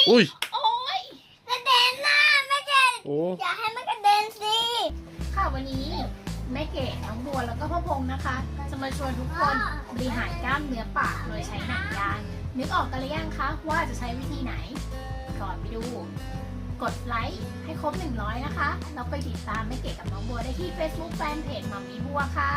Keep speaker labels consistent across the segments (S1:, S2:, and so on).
S1: อุ้ย
S2: โอ้ยกระเด็นนะไม่ใช่
S1: โอ้
S2: อย่าให้มันกระเด็นสิค่ะวันนี้แม่เก๋น้องบัวแล้วก็พ่อพงษ์นะคะ จะมาชวนทุกคนบริหารกล้ามเนื้อปากโดยใช้หนังยางนึกออกกันหรือยังคะว่าจะใช้วิธีไหน ก่อนไปดู กดไลค์ให้ครบ100นะคะแล้วไปติดตามแม่เก๋กับน้องบัวได้ที่ Facebook Fanpage มัมมี่บัวค่ะ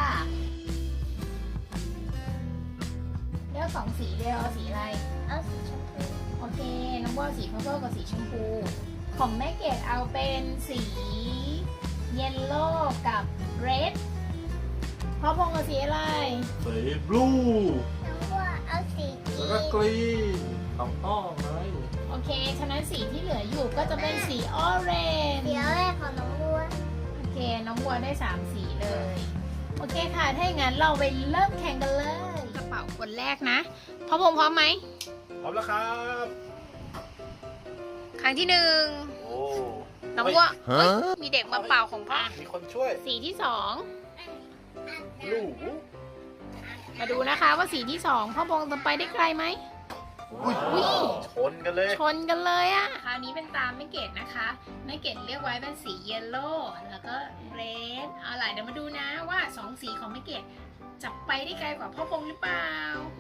S2: เลือก2 สีเดียวเอาสีอะไรเอาสีชมพูโอเคน้องบัวสีพัฟเฟิลกับสีชมพูของแม่เกดเอาเป็นสีเยลโล่กับเรดพ่อพงษ์เอาสีอะไร
S1: สีบลู
S2: น้องบัวเอาสี
S1: แล้วก็กรีนต้องไหม
S2: โอเคฉะนั้นสีที่เหลืออยู่ก็จะเป็นสีออเรนจ์สีออเรนจ์ของน้องบัวโอเคน้องบัวได้3 สีเลยโอเคค่ะถ้าอย่างนั้นเราไปเริ่มแข่งกันเลยกระเป๋าคนแรกนะพ่อพงษ์พร้อมไหม
S1: พร้อมแล้วครับ
S2: ครั้งที่1
S1: โอ้
S2: น้องบัวเฮ้ยมีเด็กมาเป่าของพ่อ
S1: มีคนช่วย
S2: สีที่2
S1: ลูก
S2: มาดูนะคะว่าสีที่2พ่อพงษ์จะไปได้ไกลไหม
S1: อุ้ยชนกันเลย
S2: ชนกันเลยอะคราวนี้เป็นตามแม่เกดนะคะแม่เกดเรียกไว้เป็นสีเยลโล่แล้วก็เรดเอาล่ะเดี๋ยวมาดูนะว่า2 สีของแม่เกดจะไปได้ไกลกว่าพ่อพงษ์หรือเปล่า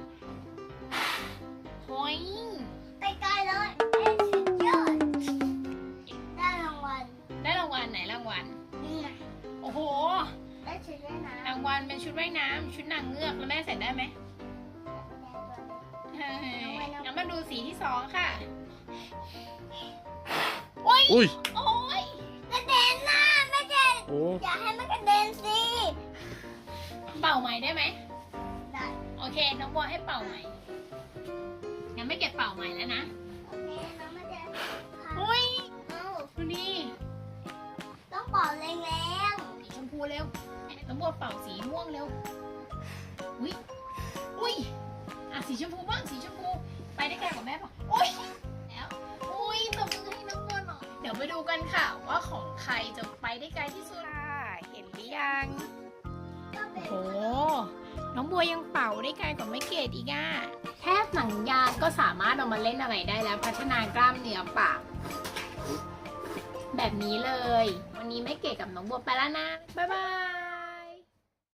S2: โอ้ยไปไกลเลยสุดยอดได้รางวัลได้รางวัลไหนรางวัลนี่ไงโอ้โหได้ชุดว่ายน้ำรางวัลเป็นชุดว่ายน้ำชุดนางเงือกแล้วแม่ใส่ได้ไหมงั้นมาดูสีที่2ค่ะโอ้ย
S1: อุ้ย
S2: โอ้ยกระเด็นนะไม่ใช่
S1: โอ้
S2: อย่าให้มันกระเด็นสิเป่าใหม่ได้ไหมได้โอเคน้องบัวให้เป่าใหม่งั้นไม่เก็บเป่าใหม่แล้วนะโอเคน้องมาเดี๋ยวอุ้ยดูนี่ต้องเป่าแรงๆสีชมพูเร็วน้องบัวเป่าสีม่วงเร็วอุ้ยอุ้ยอ่ะสีชมพูบ้างสีชมพูไปได้ไกลกว่าแม่ป่ะอุ้ยแล้วอุ้ยตบมือให้น้องบัวหน่อยเดี๋ยวไปดูกันค่ะว่าของใครจะไปได้ไกลที่สุดค่ะเห็นหรือยังโอ้โหน้องบัวยังเป่าได้ไกลกว่าแม่เกดอีกอ่ะแค่หนังยางก็สามารถเอามาเล่นอะไรได้แล้วพัฒนากล้ามเนื้อปากแบบนี้เลยวันนี้แม่เกดกับน้องบัวไปแล้วนะบ๊ายบาย